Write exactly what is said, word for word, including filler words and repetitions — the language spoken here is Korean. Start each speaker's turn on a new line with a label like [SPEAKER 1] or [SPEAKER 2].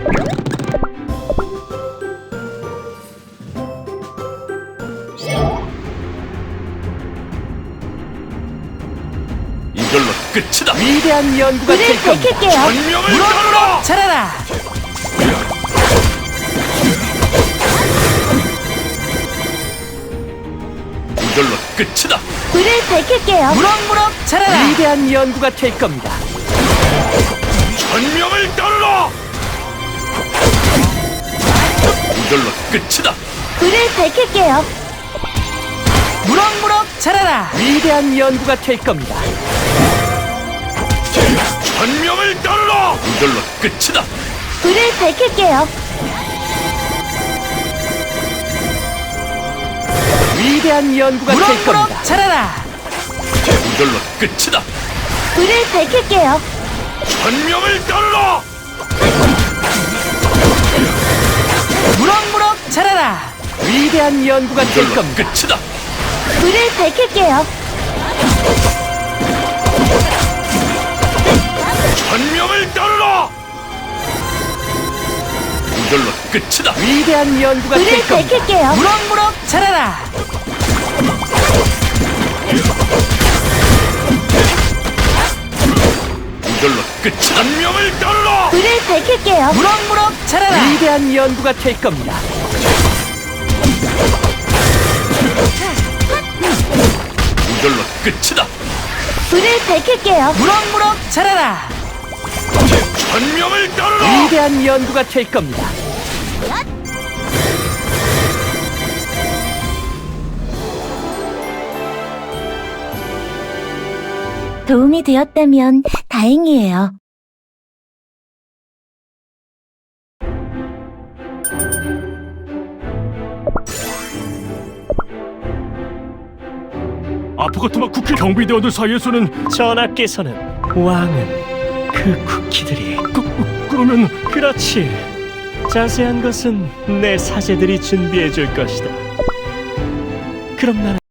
[SPEAKER 1] 이걸로 끝이다.
[SPEAKER 2] 위대한 연구가
[SPEAKER 3] 불을
[SPEAKER 2] 될 겁니다.
[SPEAKER 3] 밝힐게요.
[SPEAKER 1] 전명을 따르라.
[SPEAKER 2] 자라라.
[SPEAKER 1] 이걸로 끝이다.
[SPEAKER 3] 불을 밝힐게요.
[SPEAKER 2] 무럭무럭 자라라. 위대한 연구가 될 겁니다.
[SPEAKER 1] 전명을 따르라. 이걸로 끝이다.
[SPEAKER 3] 불을 밝힐게요.
[SPEAKER 2] 무럭무럭 자라라. 위대한 연구가 될 겁니다.
[SPEAKER 1] 전명을 따르라. 이걸로 끝이다.
[SPEAKER 3] 불을 밝힐게요.
[SPEAKER 2] 위대한 연구가 될 겁니다. 무럭무럭 자라라.
[SPEAKER 1] 이걸로 끝이다.
[SPEAKER 3] 불을 밝힐게요.
[SPEAKER 1] 전명을 따르라.
[SPEAKER 2] 무럭무럭 자라라. 위대한 연구가 될
[SPEAKER 1] 이걸로
[SPEAKER 2] 겁니다.
[SPEAKER 1] 끝이다.
[SPEAKER 3] 불을 밝힐게요.
[SPEAKER 1] 전명을 따르라. 이걸로 끝이다.
[SPEAKER 2] 위대한 연구가
[SPEAKER 3] 불을
[SPEAKER 2] 될 겁니다.
[SPEAKER 3] 밝힐게요.
[SPEAKER 2] 무럭무럭 자라라.
[SPEAKER 1] 이걸로 끝이다. 전명을 따르라.
[SPEAKER 3] 불을 밝힐게요.
[SPEAKER 2] 무럭무럭 자라라. 위대한 연구가 될 겁니다.
[SPEAKER 1] 이걸로 끝이다.
[SPEAKER 3] 불을 밝힐게요.
[SPEAKER 2] 무럭무럭 자라라.
[SPEAKER 1] 전명을 따르라.
[SPEAKER 2] 위대한 연구가 될 겁니다.
[SPEAKER 3] 도움이 되었다면 다행이에요.
[SPEAKER 4] 아프가트마 쿠키 경비대원들 사이에서는 전하께서는 왕은 그 쿠키들이 그, 그러면 그렇지. 자세한 것은 내 사제들이 준비해 줄 것이다. 그럼 나는